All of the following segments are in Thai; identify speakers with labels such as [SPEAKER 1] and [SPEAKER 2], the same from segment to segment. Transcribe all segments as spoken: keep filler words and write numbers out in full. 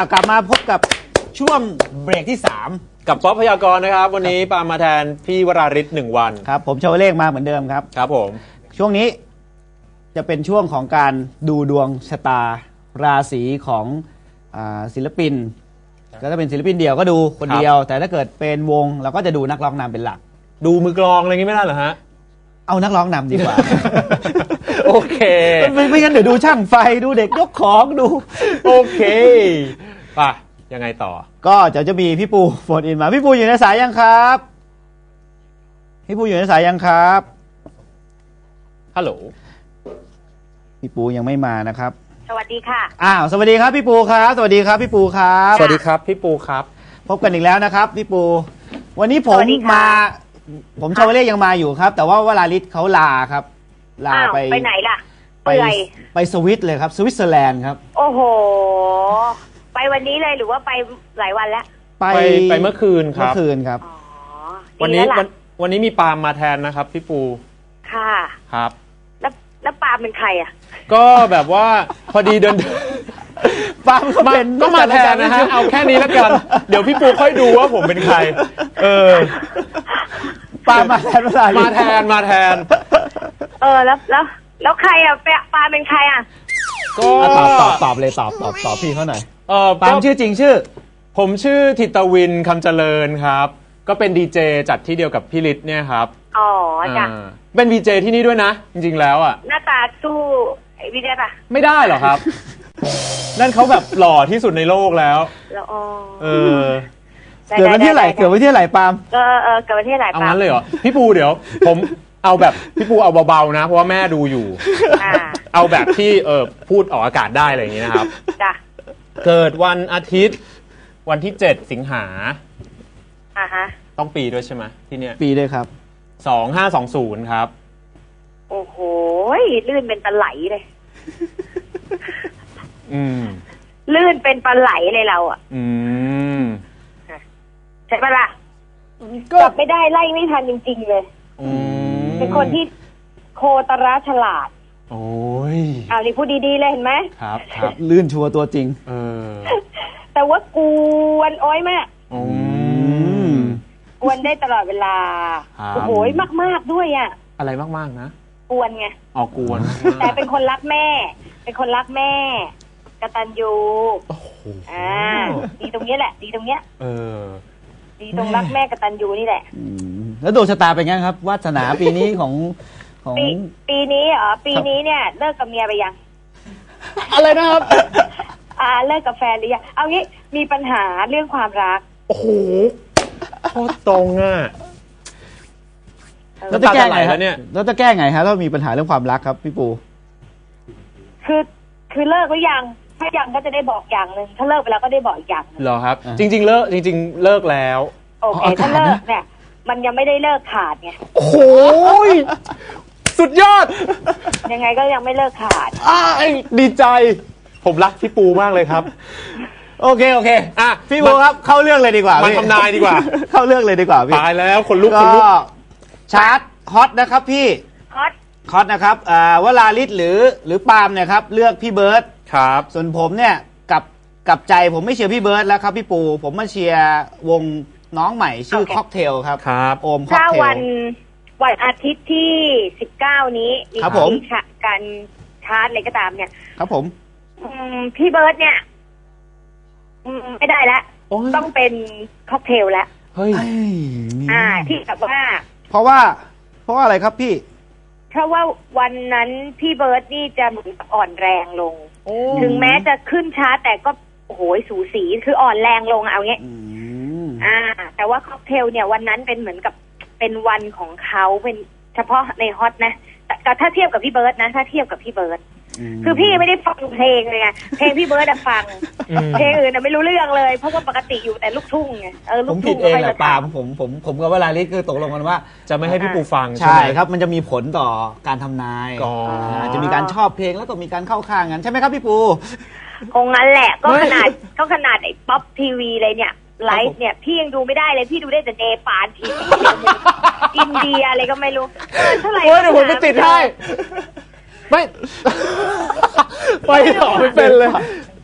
[SPEAKER 1] ากกลับมาพบกับช่วงเบรกที่สาม
[SPEAKER 2] กับป๊อปพยากรณ์นะครับวันนี้ปามาแทนพี่วราริศหนึ่งวัน
[SPEAKER 1] ครับผมชาวเลขมาเหมือนเดิมครับ
[SPEAKER 2] ครับผม
[SPEAKER 1] ช่วงนี้จะเป็นช่วงของการดูดวงชะตาราศีของอ่าศิลปินก็ถ้าเป็นศิลปินเดี่ยวก็ดูคนเดียวแต่ถ้าเกิดเป็นวงเราก็จะดูนักร้องนำเป็นหลัก
[SPEAKER 2] ดูมือกลองอะไรงี้ไม่ได้เหรอฮะ
[SPEAKER 1] เอานักร้องนำดีกว่า
[SPEAKER 2] โอเค
[SPEAKER 1] ไม่ไม่งั้นเดี๋ยวดูช่างไฟดูเด็กยกของดู
[SPEAKER 2] โอเคป่ะยังไงต่อ
[SPEAKER 1] ก็จะจะมีพี่ปูโฟนอินมาพี่ปูอยู่ในสายยังครับพี่ปูอยู่ในสายยังครับ
[SPEAKER 2] ฮัลโหล
[SPEAKER 1] พี่ปูยังไม่มานะครับ
[SPEAKER 3] สวัสดีค่ะ
[SPEAKER 1] อ้าวสวัสดีครับพี่ปูครับสวัสดีครับพี่ปูครับ
[SPEAKER 2] สวัสดีครับพี่ปูครับ
[SPEAKER 1] พบกันอีกแล้วนะครับพี่ปูวันนี้ผมมาผมชาวเลขยังมาอยู่ครับแต่ว่าวราริศเขาลาครับ
[SPEAKER 3] ลาไปไปไหนล่ะ
[SPEAKER 1] ไปไปสวิตเลยครับสวิตเซอร์แลนด์ครับ
[SPEAKER 3] โอ้โหไปวันนี้เลยหรือว่าไปหลายวันแล้ว
[SPEAKER 1] ไป
[SPEAKER 2] ไปเมื่อคืนครับ
[SPEAKER 1] เมื่อคืนครับ
[SPEAKER 2] วันนี้วันวันนี้มีปาล์มมาแทนนะครับพี่ปู
[SPEAKER 3] ค่ะ
[SPEAKER 2] ครับ
[SPEAKER 3] แล้วแล้วปาล์มเป็นใครอ่ะ
[SPEAKER 2] ก็แบบว่าพอดีเดิน
[SPEAKER 1] ปาล์มก็เป็น
[SPEAKER 2] ก็มาแทนนะฮะเอาแค่นี้แล้วกันเดี๋ยวพี่ปูค่อยดูว่าผมเป็นใครเออ
[SPEAKER 1] ปาล์มมาแทน
[SPEAKER 2] มาแทนมาแทน
[SPEAKER 3] เออแล้วแล้วแล้วใครอ่ะปาล์มเป็นใครอ่ะ
[SPEAKER 1] ก็ตอบตอบตอบเลยตอบตอบตอบพี่เขาหน่อยเออปาล์มชื่อจริงชื่อ
[SPEAKER 2] ผมชื่อธิตวินคำเจริญครับก็เป็นดีเจจัดที่เดียวกับพี่ฤทธิ์เนี่ยครับ
[SPEAKER 3] อ๋อจ้ะ
[SPEAKER 2] เป็นดีเจที่นี่ด้วยนะจริงๆแล้วอ่ะ
[SPEAKER 3] หน้าตาสู้ไอ้พี่ได้ปะ
[SPEAKER 2] ไม่ได้หรอครับนั่นเขาแบบหล่อที่สุดในโลกแล้ว
[SPEAKER 3] แล้วอ๋อ
[SPEAKER 2] เออ
[SPEAKER 1] เกิดวันที่ไหนเกิดวันที่ไหนปาล์ม
[SPEAKER 3] เออเออเกิดวันที่ไหนปาล์ม
[SPEAKER 2] เอางั้นเลยเหรอพี่ปูเดี๋ยวผมเอาแบบพี่ปูเอาเบาๆนะเพราะว่าแม่ดูอยู่เอาแบบที่เออพูดออกอากาศได้อะไรอย่างนี้นะครับ
[SPEAKER 3] จ้ะ
[SPEAKER 2] เกิดวันอาทิตย์วันที่เจ็ดสิงหา
[SPEAKER 3] อ่าฮะ
[SPEAKER 2] ต้องปีด้วยใช่ไหมที่เนี้ย
[SPEAKER 1] ปีด้วยครับ
[SPEAKER 2] สองห้าสองศูนย์ครับ
[SPEAKER 3] โอ้โหลื่นเป็นปลาไหลเลย
[SPEAKER 2] อืม
[SPEAKER 3] ลื่นเป็นปลาไหลเลยเราอ่ะ
[SPEAKER 2] อืม
[SPEAKER 3] ใช่ปะล่ะจับไม่ได้ไล่ไม่ทันจริงๆเลยเป็นคนที่โคตรฉลาด
[SPEAKER 2] โอ้ย
[SPEAKER 3] อ่านี่พูดดีๆเลยเห็นไหม
[SPEAKER 2] ครับครับ
[SPEAKER 1] ลื่นชัวร์ตัวจริง
[SPEAKER 2] เออ
[SPEAKER 3] แต่ว่ากวนอ้อยมากกวนได้ตลอดเวลาโอ้โหมากๆด้วยอ่ะ
[SPEAKER 2] อะไรมากๆนะ
[SPEAKER 3] กวนไง
[SPEAKER 2] ออกกวน
[SPEAKER 3] แต่เป็นคนรักแม่เป็นคนรักแม่กตัญญูอ่าดีตรงนี้แหละดีตรงเนี้ย
[SPEAKER 2] เออ
[SPEAKER 3] ดีตรงรักแม่กตัญญูนี่แหละ
[SPEAKER 1] แล้วดวงชะตาเป็นไงครับวาสนาปีนี้ของของ
[SPEAKER 3] ปีนี้เหรอปีนี้เนี่ยเลิกกับเมียไปยัง
[SPEAKER 2] อะไรนะครับ
[SPEAKER 3] อ่าเลิกกับแฟนหรือยังเอางี้มีปัญหาเรื่องความรัก
[SPEAKER 2] โอ้โหโคตรตรงอ่ะ
[SPEAKER 1] แล้วจะแก้ไงฮะเนี่ยแล้วจะแก้ไงฮะถ้ามีปัญหาเรื่องความรักครับพี่ปู
[SPEAKER 3] คือคือเลิกหรือยังถ้ายังก็จะได้บอกอย่างหนึ่งถ้าเลิกไปแล้วก็ได้บอกอีกอย่างนึง
[SPEAKER 2] เหรอครับจริงๆเลิกจริงๆเลิกแล้ว
[SPEAKER 3] โอเคถ้าเลิกเนี่ยมันยังไม่ได้เลิกขาดไง
[SPEAKER 2] โอ้โหสุดยอด
[SPEAKER 3] ยังไงก็ยังไม่เลิกขาด
[SPEAKER 2] อ้าดีใจผมรักพี่ปูมากเลยครับ
[SPEAKER 1] โอเคโอเคอ่ะพี่ปูครับเข้าเรื่องเลยดีกว่า
[SPEAKER 2] มาทำนายดีกว่า
[SPEAKER 1] เข้าเรื่องเลยดีกว่าพี่
[SPEAKER 2] ตายแล้วคนลุกคนลุก
[SPEAKER 1] ชาร์ตฮอตนะครับพี่
[SPEAKER 3] ฮอต
[SPEAKER 1] ฮอตนะครับอ่าวราริศหรือหรือปาล์มเนี่ยครับเลือกพี่เบิร์ด
[SPEAKER 2] ครับ
[SPEAKER 1] ส่วนผมเนี่ยกับกับใจผมไม่เชียร์พี่เบิร์ดแล้วครับพี่ปูผมมาเชียร์วงน้องใหม่ชื่อค็อกเทลครับ
[SPEAKER 2] ครับ
[SPEAKER 1] โอมค็อกเทล
[SPEAKER 3] วันวันอาทิตย์ที่สิบเก้านี้มีการชาร์ตอะไรก็ตามเนี่ย
[SPEAKER 1] ครับผม
[SPEAKER 3] พี่เบิร์ดเนี่ยไม่ได้แล้วต้องเป็นค็อกเทลแล้ว
[SPEAKER 2] เฮ้ย
[SPEAKER 3] อ่าที่แบบว่า
[SPEAKER 1] เพราะว่าเพราะว่าอะไรครับพี่
[SPEAKER 3] เพราะว่าวันนั้นพี่เบิร์ดนี่จะเหมือนอ่อนแรงลงถึงแม้จะขึ้นชาร์ตแต่ก็โอ้โหสูสีคืออ่อนแรงลงเอาเงี้ยอ่าแต่ว่าค็อกเทลเนี่ยวันนั้นเป็นเหมือนกับเป็นวันของเขาเป็นเฉพาะในฮอตนะแต่ถ้าเทียบกับพี่เบิร์ดนะถ้าเทียบกับพี่เบิร์ดคือพี่ไม่ได้ฟังเพลงเลยไงเพลงพี่เบิร์ดฟังเพลงอื่นไม่รู้เรื่องเลยเพราะว่าปกติอยู่แต่ลูกทุ่งไงเออลูกทุ่ง
[SPEAKER 1] ผมผิดเองแหละปาผมผมผมกับวราริศคือตกลงกันว่า
[SPEAKER 2] จะไม่ให้พี่ปูฟัง
[SPEAKER 1] ใช่ครับมันจะมีผลต่อการทำนายจะมีการชอบเพลงแล้วก็มีการเข้าข้างกันใช่ไหมครับพี่ปู
[SPEAKER 3] คงงั้นแหละก็ขนาดก็ขนาดไอ้ป๊อปทีวีเลยเนี่ยไลฟ์เนี่ยพี่ยังดูไม่ได้เลยพี่ดูได้แต่เนปาลทีวีอินเดียอะไรก็ไม่รู้เท่าไหร่
[SPEAKER 2] เดี๋ยวผมจะติดให้ไม่ไปต่อไม่เป็นเลย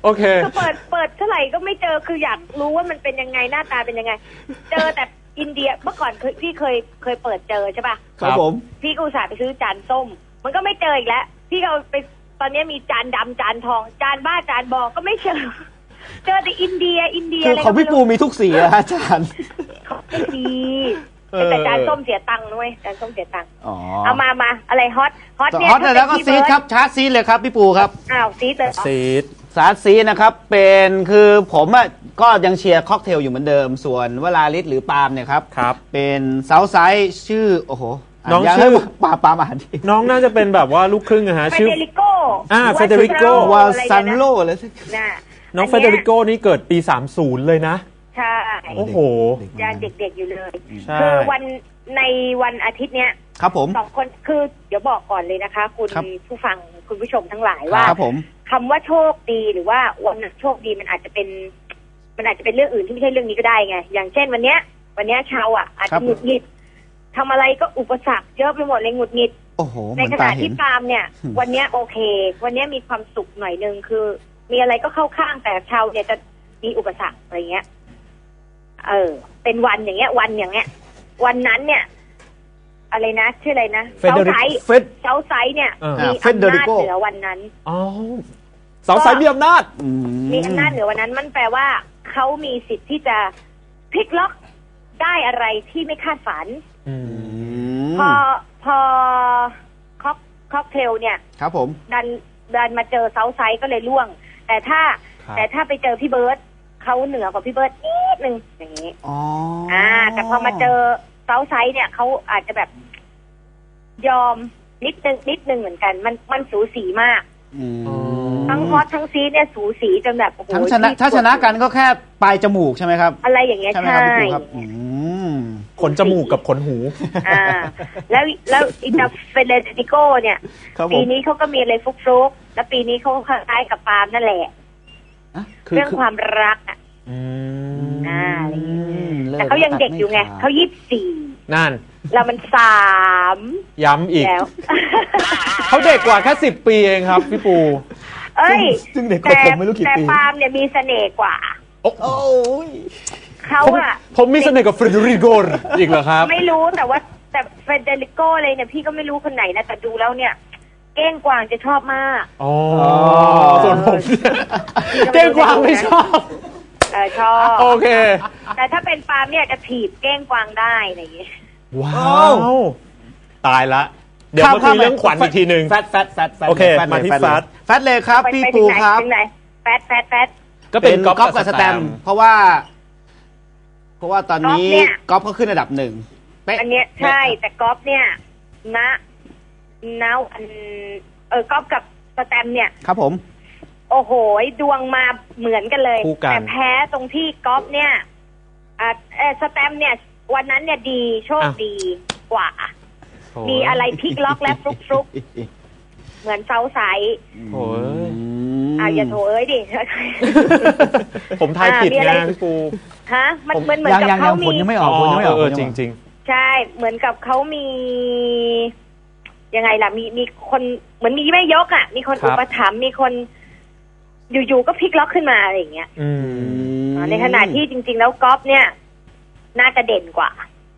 [SPEAKER 2] โอเค
[SPEAKER 3] คือเปิดเปิดเท่าไหร่ก็ไม่เจอคืออยากรู้ว่ามันเป็นยังไงหน้าตาเป็นยังไง เจอแต่อินเดียเมื่อก่อนเคยพี่เคยเคยเปิดเจอใช่ป่ะ
[SPEAKER 1] ครับผม
[SPEAKER 3] พี่ก็อุตส่าห์ไปซื้อจานส้มมันก็ไม่เจออีกแล้วพี่ก็ไปตอนนี้มีจานดำจานทองจานบ้าจานบอกก็ไม่เจอเจอแต่อินเดียอินเดีย
[SPEAKER 1] คือของพี่ปูมีทุกสีอะอาจารย์
[SPEAKER 3] เขาไม่ดีแต่จานส้มเสียตังค์ด้วยจานส้มเสียตังค์เอามามาอะไรฮอตฮอตเนี่ย
[SPEAKER 1] ฮอตแล้วก็ซีดครับชาร์จซีดเลยครับพี่ปูครับ
[SPEAKER 3] อ้าวซีดเลย
[SPEAKER 2] ซีด
[SPEAKER 1] ชาร์จซีดนะครับเป็นคือผมอะก็ยังเชียร์ค็อกเทลอยู่เหมือนเดิมส่วนวลาลิศหรือปาล์มเนี่ยครับ
[SPEAKER 2] ครับ
[SPEAKER 1] เป็นเซาท์ไซด์ชื่อโอ้โห
[SPEAKER 2] น้องชื่อ
[SPEAKER 1] ปาปามาดี
[SPEAKER 2] น้องน่าจะเป็นแบบว่าลูกครึ่งนะฮะชื่อ
[SPEAKER 3] เฟเดริโก
[SPEAKER 2] อ่าเฟเดริโก
[SPEAKER 1] วาซันโลอะไรสัก
[SPEAKER 2] น้องเฟเดริโกนี่เกิดปีสามสิบเลยนะ
[SPEAKER 3] ใช่
[SPEAKER 2] โอ้โห
[SPEAKER 3] ยังเด็กๆอยู่เลยคือวันในวันอาทิตย์เนี้ย
[SPEAKER 1] ครับผม
[SPEAKER 3] สองคนคือเดี๋ยวบอกก่อนเลยนะคะคุณผู้ฟังคุณผู้ชมทั้งหลายว่าคำว่าโชคดีหรือว่าวันโชคดีมันอาจจะเป็นมันอาจจะเป็นเรื่องอื่นที่ไม่ใช่เรื่องนี้ก็ได้ไงอย่างเช่นวันเนี้ยวันเนี้ยชาวอ่ะอาจจะหงุดหงิดทำอะไรก็อุปสรรคเยอะไปหมดเลยหงุดหงิดในขณะที่ปาล์มเนี่ยวันเนี้ยโอเควันเนี้ยมีความสุขหน่อยนึงคือมีอะไรก็เข้าข้างแต่ชาวเนี่ยจะมีอุปสรรคอะไรเงี้ยเออเป็นวันอย่างเงี้ยวันอย่างเงี้ยวันนั้นเนี่ยอะไรนะชื่ออะไรนะเซาไซส์เซาไซส์เนี่ยมีอำนาจเหนือวันนั้น
[SPEAKER 2] อ๋อเซาไซส์มีอำนาจ
[SPEAKER 3] มีอำนาจเหนือวันนั้นมันแปลว่าเขามีสิทธิ์ที่จะพลิกล็อกได้อะไรที่ไม่คาดฝันพอพอค็อกค็อกเทลเนี่ย
[SPEAKER 1] ครับผม
[SPEAKER 3] ดันดันมาเจอเซาไซส์ก็เลยล่วงแต่ถ้าแต่ถ้าไปเจอพี่เบิร์ดเขาเหนือกว่าพี่เบิร์ดนิดนึงอย่างนี้
[SPEAKER 1] อ๋อ
[SPEAKER 3] อ่าแต่พอมาเจอเซาไซส์เนี่ยเขาอาจจะแบบยอมนิดนึงนิดนึงเหมือนกันมันมันสูสีมากทั้งฮอตทั้งซีเนี่ยสูสีจนแบบโอ้โห
[SPEAKER 1] ทั้งชนะถ้าชนะกันก็แค่ปลายจมูกใช่ไหมครับ
[SPEAKER 3] อะไรอย่างเงี้ยใช่
[SPEAKER 2] ขนจมูกกับขนหู
[SPEAKER 3] อ่าแล้วแล้วอิตาเฟเดริโกเนี่ยปีนี้เขาก็มีอะไรฟุกฟุกแล้วปีนี้เขาคล้ายกับปาล์มนั่นแหละเรื่องความรักอ่ะอ่าแต่เขายังเด็กอยู่ไงเขายี่สิบสี่
[SPEAKER 2] นั่น
[SPEAKER 3] แล้วมันสาม
[SPEAKER 2] ย้ำอีกแล้วเขาเด็กกว่าแค่สิบปีเองครับพี่ปู
[SPEAKER 3] เอ้ย
[SPEAKER 1] ซึ่งเด็กกว่าผมไม่รู้กี่ปี
[SPEAKER 3] แต่ปาล์มเนี่ยมีเสน่ห์กว่า
[SPEAKER 1] โอ้ย
[SPEAKER 3] เขาอะ
[SPEAKER 2] ผมมีเสน่ห์กับเฟรเดริโกอีกเหรอครับ
[SPEAKER 3] ไม่รู้แต่ว่าแต่เฟรเดริโกเลยเนี่ยพี่ก็ไม่รู้คนไหนนะแต่ดูแล้วเนี่ยเก้งกวางจะชอบมาก
[SPEAKER 2] อ๋อส่วนผมเก้งกวางไม่ชอบ
[SPEAKER 3] เออชอบ
[SPEAKER 2] โอเค
[SPEAKER 3] แต่ถ้าเป็นปาล์มเนี่ยจะถีบเก้งกวางได้อะไรอย่างเงี้ย
[SPEAKER 2] ว้าวตายละเดี๋ยวมาคุยเรื่องขวัญอีกทีหนึ่ง
[SPEAKER 1] แฟตแฟตแฟต
[SPEAKER 2] โอเคมาที่แฟต
[SPEAKER 1] แฟตเลยครับพี่ปูครับ
[SPEAKER 3] แฟตแฟตแฟต
[SPEAKER 2] ก็เป็นก๊อฟ
[SPEAKER 1] กับสแตมเพราะว่าเพราะว่าตอนนี้ก๊อฟก็ขึ้นอันดับหนึ่ง
[SPEAKER 3] อันเนี้ยใช่แต่ก๊อฟเนี่ยณณอันเออก๊อฟกับสแตมเนี่ย
[SPEAKER 1] ครับผม
[SPEAKER 3] โอ้โหดวงมาเหมือนกันเลยแต่แพ้ตรงที่ก๊อฟเนี่ยอ่าเออสแตมเนี่ยวันนั้นเนี่ยดีโชคดีกว่ามีอะไรพลิกล็อกและฟลุกฟลุกเหมือนเซาไซส์
[SPEAKER 2] โอ้ย
[SPEAKER 3] อ่าอย่าโถเอ้ยดิ
[SPEAKER 2] ผมทายผิดนะพี่ปู
[SPEAKER 3] ฮะมันเหมือนเหมือนกับเขามี
[SPEAKER 1] ยังไม่ออกยังไม่ออก
[SPEAKER 2] เออจริงจริง
[SPEAKER 3] ใช่เหมือนกับเขามียังไงล่ะมีมีคนเหมือนมีแม่ยกอ่ะมีคนอุปถัมภ์มีคนอยู่ๆก็พลิกล็อกขึ้นมาอะไรอย่างเงี้ยในขณะที่จริงๆแล้วก๊อฟเนี่ยน่าจะเด่นกว่า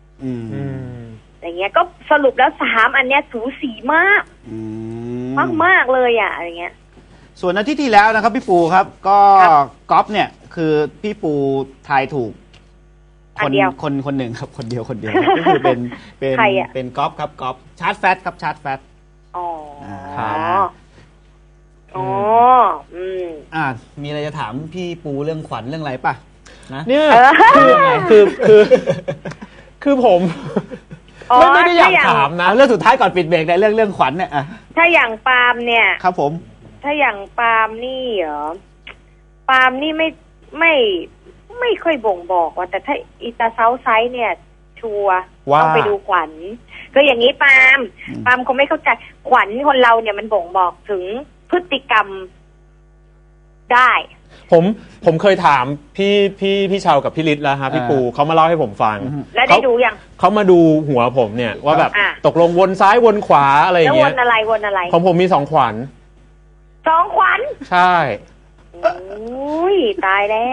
[SPEAKER 3] อย่างเงี้ยก็สรุปแล้วสามอันเนี้ยสูสีมากมากมากเลยอ่ะอะไรเงี้ย
[SPEAKER 1] ส่วนอาทิตย์ที่แล้วนะครับพี่ปูครับก็ก๊อฟเนี่ยคือพี่ปูทายถูกคนคนคนหนึ่งครับคนเดียวคนเดียวก็คือเป็นเป็นเป็นก๊อฟครับก๊อฟชาร์จแฟตครับชาร์จแฟต
[SPEAKER 3] อ๋ออ๋ออืม
[SPEAKER 1] อ่ามีอะไรจะถามพี่ปูเรื่องขวัญเรื่องอะไรป่ะ
[SPEAKER 2] นะเนี่ยคือคือคือคือผมไม่ไม่ได้อยากถามนะ
[SPEAKER 1] เรื่องสุดท้ายก่อนปิดเบรกในเรื่องเรื่องขวัญเนี่ย
[SPEAKER 3] ถ้าอย่างปาล์มเนี่ย
[SPEAKER 1] ครับผม
[SPEAKER 3] ถ้าอย่างปาล์มนี่เหรอปาล์มนี่ไม่ไม่ไม่ค่อยบ่งบอกว่าแต่ถ้าอีตาเซาไซส์เนี่ยชัวร์ต้องไปดูขวัญคืออย่างนี้ปาล์มปาล์มคงไม่เข้าใจขวัญคนเราเนี่ยมันบ่งบอกถึงพฤติกรรมได้
[SPEAKER 2] ผมผมเคยถามพี่พี่พี่ชาวกับพี่ฤทธิ์แล้วฮะพี่ปูเขามาเล่าให้ผมฟัง
[SPEAKER 3] แล้วได้ดูยัง
[SPEAKER 2] เขามาดูหัวผมเนี่ยว่าแบบตกลงวนซ้ายวนขวาอะไรอย่างเงี้ย
[SPEAKER 3] แล้ววนอะไรวนอะไร
[SPEAKER 2] ของผมมีสองขวัญ
[SPEAKER 3] สองขวัญ
[SPEAKER 2] ใช่
[SPEAKER 3] โโอ้ยตายแล้ว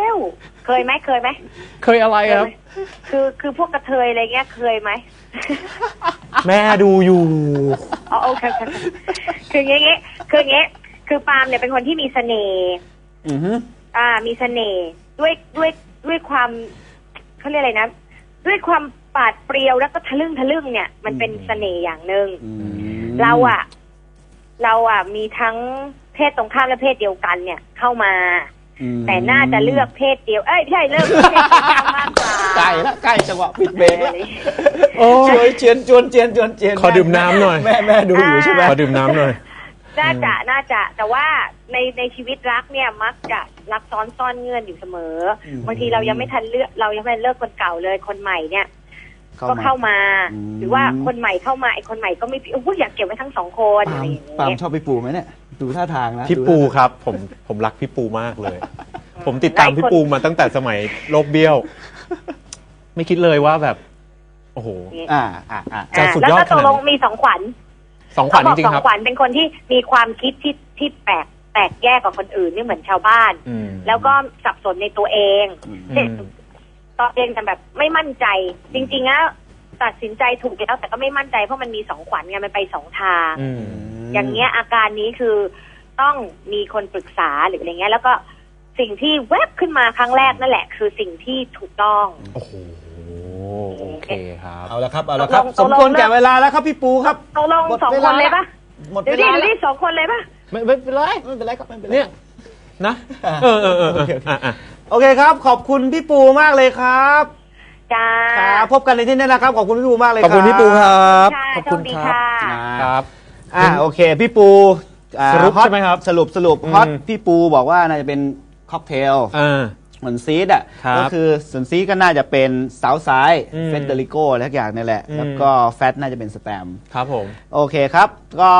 [SPEAKER 3] เคยไหมเคยไหม
[SPEAKER 2] เคยอะไรครับ
[SPEAKER 3] คือคือพวกกระเทยอะไรเงี้ยเคยไหม
[SPEAKER 2] แม่ดูอยู่
[SPEAKER 3] อ๋อโอเคคืออย่างงี้คืออย่างงี้คือปาล์มเนี่ยเป็นคนที่มีเสน่ห์อือฮึอ่ามีเสน่ห์ด้วยด้วยด้วยความเขาเรียกอะไรนะด้วยความปาดเปรียวแล้วก็ทะลึ่งทะลึ่งเนี่ยมันเป็นเสน่ห์อย่างหนึ่งเราอ่ะเราอ่ะมีทั้งเพศตรงข้ามและเพศเดียวกันเนี่ยเข้ามาแต่น่าจะเลือกเพศเดียวเอ้ยใช่เลือกเพศเดียวมากกว่า
[SPEAKER 1] ใกล้ละใกล้จังหวะปิดเบรกแล้วโอ้ยเจียนจวนเจียนจวนเจียน
[SPEAKER 2] ขอดื่มน้ำหน่อย
[SPEAKER 1] แม่แม่ดูอยู่ใช่ไหม
[SPEAKER 2] ขอดื่มน้ำหน่อย
[SPEAKER 3] น่าจะน่าจะแต่ว่าในในชีวิตรักเนี่ยมักจะรักซ้อนซ่อนเงื่อนอยู่เสมอบางทีเรายังไม่ทันเลือกเรายังไม่ทันเลิกคนเก่าเลยคนใหม่เนี่ยก็เข้ามาหรือว่าคนใหม่เข้ามาไอ้คนใหม่ก็ไม่โอ้ยอยากเก็บไว้ทั้งสองคนอะไรอย่างเงี้ย
[SPEAKER 1] ปาล์มชอบพี่ปูไหมเนี่ยดูท่าทางนะ
[SPEAKER 2] พี่ปูครับผมผมรักพี่ปูมากเลยผมติดตามพี่ปูมาตั้งแต่สมัยโลกเบี้ยวไม่คิดเลยว่าแบบโอ้โห
[SPEAKER 1] อ่าอ่าอ่า
[SPEAKER 3] จะสุดยอดขนาดนี้แล้วก็ตกลงมีสองขวัญ
[SPEAKER 2] สองขวัญจริงๆครับ
[SPEAKER 3] สองขวัญเป็นคนที่มีความคิดที่ที่แปลกแตกแยกกว่าคนอื่นไม่เหมือนชาวบ้านแล้วก็สับสนในตัวเองตัวเองแต่แบบไม่มั่นใจจริงๆแล้วตัดสินใจถูกแล้วแต่ก็ไม่มั่นใจเพราะมันมีสองขวัญไงมันไปสองทางอย่างเงี้ยอาการนี้คือต้องมีคนปรึกษาหรืออะไรเงี้ยแล้วก็สิ่งที่แวบขึ้นมาครั้งแรกนั่นแหละคือสิ่งที่ถูกต้อง
[SPEAKER 2] โอ้โหโอเคครับ
[SPEAKER 1] เอาละครับเอาละครับสมควรแก่เวลาแล้วครับพี่ปูครับ
[SPEAKER 3] ตกลงสองคนเลยปะเดี๋ยวดิเดี๋ยวดิสองคนเลยปะ
[SPEAKER 2] ไม่ไม่เป็นไร
[SPEAKER 1] ไม่เป็นไรครับไม่เป็นไร
[SPEAKER 2] เนี่ยนะเออเออเออ
[SPEAKER 1] โอเคครับขอบคุณพี่ปูมากเลยครับ
[SPEAKER 3] จ้า
[SPEAKER 1] พบกันในที่นี้นะครับขอบคุณพี่ปูมากเลย
[SPEAKER 2] ขอบคุณพี่ปูครับ
[SPEAKER 3] ขอบคุณครับ
[SPEAKER 1] ครับอ่าโอเคพี่ปู
[SPEAKER 2] สรุปใช่ไหมครับ
[SPEAKER 1] สรุปสรุปฮอตพี่ปูบอกว่าน่าจะเป็นค็อกเทลเหมือนซีดอ่ะก็คือส่วนซีดก็น่าจะเป็นเซาท์ไซด์เฟเดริโกอะไรทุกอย่างนี่แหละแล้วก็แฟตน่าจะเป็นสแตม
[SPEAKER 2] ครับผม
[SPEAKER 1] โอเคครับก็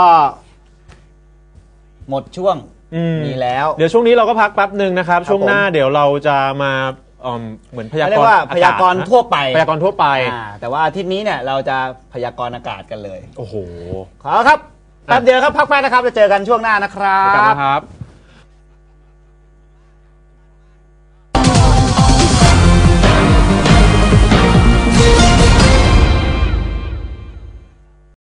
[SPEAKER 1] หมดช่วงมีแล้ว
[SPEAKER 2] เดี๋ยวช่วงนี้เราก็พักแป๊บหนึ่งนะครับช่วงหน้าเดี๋ยวเราจะมาเหมือนพยากรณ์
[SPEAKER 1] พยากรณ์ทั่วไป
[SPEAKER 2] พยากรณ์ทั่วไป
[SPEAKER 1] แต่ว่าอาทิตย์นี้เนี่ยเราจะพยากรณ์อากาศกันเลย
[SPEAKER 2] โอ้โห
[SPEAKER 1] ขอครับแป๊บเดียวครับพักแป๊บนะครับจะเจอกันช่วงหน้านะครับ